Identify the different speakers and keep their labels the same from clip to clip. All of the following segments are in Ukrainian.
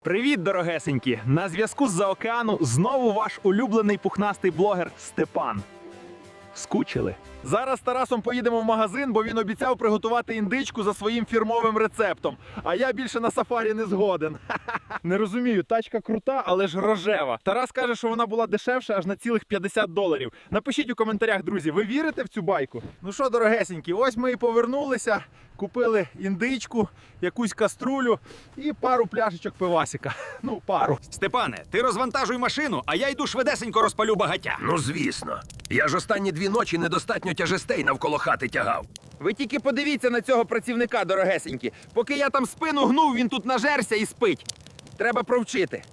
Speaker 1: Привіт, дорогесенькі! На зв'язку з-за океану знову ваш улюблений пухнастий блогер Степан. Скучили? Зараз з Тарасом поїдемо в магазин, бо він обіцяв приготувати індичку за своїм фірмовим рецептом. А я більше на сафарі не згоден. Не розумію, тачка крута, але ж рожева. Тарас каже, що вона була дешевша аж на цілих $50. Напишіть у коментарях, друзі, ви вірите в цю байку? Ну що, дорогесенькі, ось ми і повернулися. Купили індичку, якусь каструлю і пару пляшечок пивасика. Ну, пару.
Speaker 2: Степане, ти розвантажуй машину, а я йду швидесенько розпалю багаття.
Speaker 3: Ну, звісно. Я ж останні 2 ночі недостатньо тяжестей навколо хати тягав.
Speaker 1: Ви тільки подивіться на цього працівника, дорогесенькі. Поки я там спину гнув, він тут нажерся і спить. Треба провчити.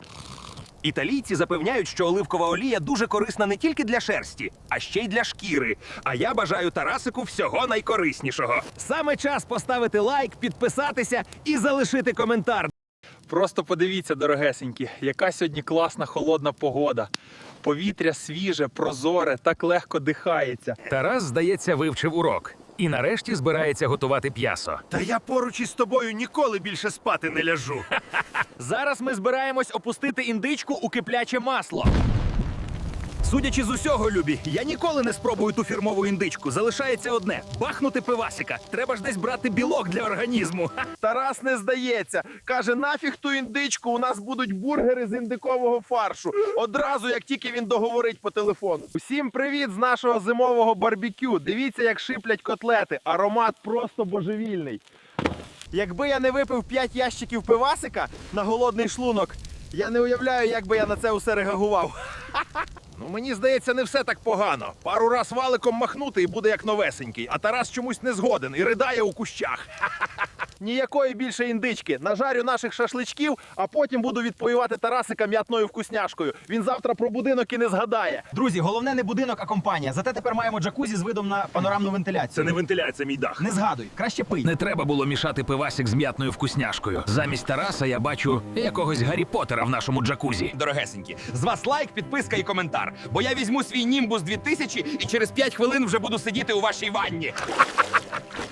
Speaker 2: Італійці запевняють, що оливкова олія дуже корисна не тільки для шерсті, а ще й для шкіри. А я бажаю Тарасику всього найкориснішого.
Speaker 1: Саме час поставити лайк, підписатися і залишити коментар. Просто подивіться, дорогесенькі, яка сьогодні класна холодна погода. Повітря свіже, прозоре, так легко дихається.
Speaker 4: Тарас, здається, вивчив урок. І нарешті збирається готувати п'ясо.
Speaker 3: Та я поруч із тобою ніколи більше спати не ляжу.
Speaker 1: Зараз ми збираємось опустити індичку у кипляче масло.
Speaker 2: Судячи з усього, любі, я ніколи не спробую ту фірмову індичку. Залишається одне – бахнути пивасика. Треба ж десь брати білок для організму.
Speaker 1: Тарас не здається. Каже, нафіг ту індичку, у нас будуть бургери з індикового фаршу. Одразу, як тільки він договорить по телефону. Усім привіт з нашого зимового барбекю. Дивіться, як шиплять котлети. Аромат просто божевільний. Якби я не випив 5 ящиків пивасика на голодний шлунок, я не уявляю, як би я на це усе реагував.
Speaker 3: Ну, мені здається, не все так погано. Пару раз валиком махнути і буде як новесенький. А Тарас чомусь не згоден і ридає у кущах.
Speaker 1: Ніякої більше індички. Нажарю наших шашличків, а потім буду відпоювати Тарасика м'ятною вкусняшкою. Він завтра про будинок і не згадає.
Speaker 2: Друзі, головне не будинок, а компанія. Зате тепер маємо джакузі з видом на панорамну вентиляцію.
Speaker 3: Це не вентиляція, мій дах.
Speaker 2: Не згадуй, краще пий.
Speaker 4: Не треба було мішати пивасик з м'ятною вкусняшкою. Замість Тараса я бачу якогось Гаррі Поттера в нашому джакузі.
Speaker 2: Дорогесенькі, з вас лайк, підписка і коментар. Бо я візьму свій Німбус 2000 і через 5 хвилин вже буду сидіти у вашій ванні.